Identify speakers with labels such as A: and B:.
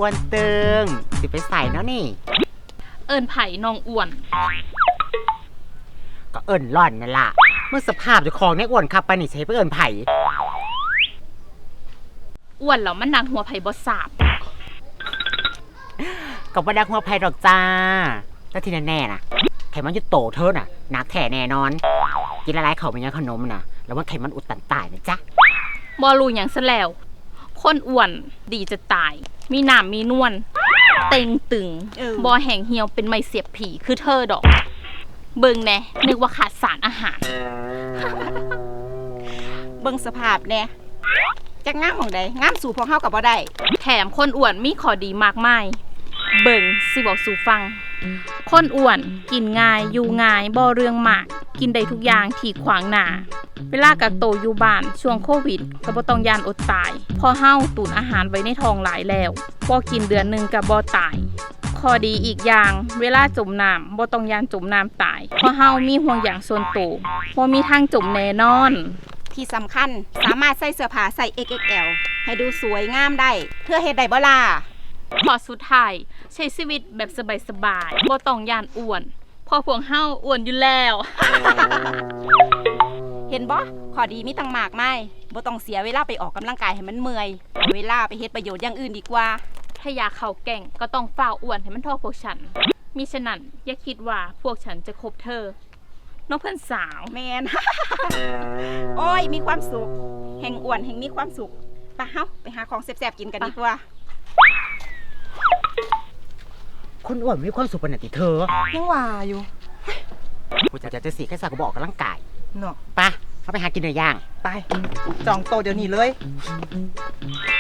A: วนตึงสิไปใส่เนาะนี่
B: เอิญไผ่น้องอ้วน
A: ก็เอิญหล่อนนั่นล่ะเมื่อสภาพเจ้าของเนี่ยอ้วนขับไปนี่ใช้ไปเอิญไผ่
B: อ้วนแล้วมันดังหัวไผ่บ่สาบ
A: กับว่าดักหัวไผ่ดอกจ้าแต่ที่แน่ๆนะไขมันจะโตเธอน่ะนักแท้แน่นอนกินละลายเขาเป็นยังขนมน่ะแล้วว่าไขมันอุดตันตายนะจ๊ะ
B: บ่รู้หยังซะแล้วคนอ้วนดีจะตายมีหนามมีนวลเต็งตึงบ่แห้งเหี่ยวเป็นไม้เสียบผีคือเธอดอกเบิ่งแน่นึกว่าขาดสารอาหาร
C: เบิ่งสภาพแน่จักงามของใดงามสู่พวกเฮากับบ่ได้
B: แถมคนอ้วนมีข้อดีมากมายเบิ่งสิบอกสู่ฟังคนอ้วนกินง่ายอยู่ง่ายบ่เรื่องมากกินได้ทุกอย่างที่ขวางหน้าเวลากักโตวอยู่บ้านช่วงโควิดก็บ่ต้องย่านอดตายพอเฮาตุนอาหารไว้ในท้องหลายแล้วบ่กินเดือนนึงก็บ่ตายข้อดีอีกอย่างเวลาจมน้ำบ่ต้องย่านจมน้ำตายเพราะเฮามีห่วงยางส่วนตัวบ่มีทางจมแน่นอน
C: ที่สำคัญสามารถใส่เสื้อผ้าใส่ XXL ให้ดูสวยงามได้เพื่อเฮ็ดได้บ่ล่ะ
B: ขอสุดท้ายใช้ชีวิตแบบสบายๆบ่ต้องย่านอ้วนพอพวกเฮาอ้วนอยู่แล้ว
C: เห็นบ่ข้อดีมีตั้งมากมายบ่ต้องเสียเวลาไปออกกำลังกายให้มันเมื่อยเวลาไปเฮ็ดประโยชน์อย่างอื่นดีกว่า
B: ถ้าอยากเข้าแก่งก็ต้องฝ่าอ้วนให้มันเท่าพวกฉันมิฉะนั้นอย่าคิดว่าพวกฉันจะคบเธอน้องเพื่อนสาว
C: แมน โอ้ยมีความสุขแห่งอ้วนแห่งมีความสุขไปเฮาไปหาของแซ่บๆกินกันดีกว่า
A: คนอ้วนมีความสุขปานนั้นติเธอ
D: ยังว่าอยู่
A: กูจะสีแค่สักก็บอกกำลังกาย
D: เนาะ
A: ไปเข้าไปหากินเนื้อย่าง
D: ไปจองโตะเดี๋ยวนี้เลย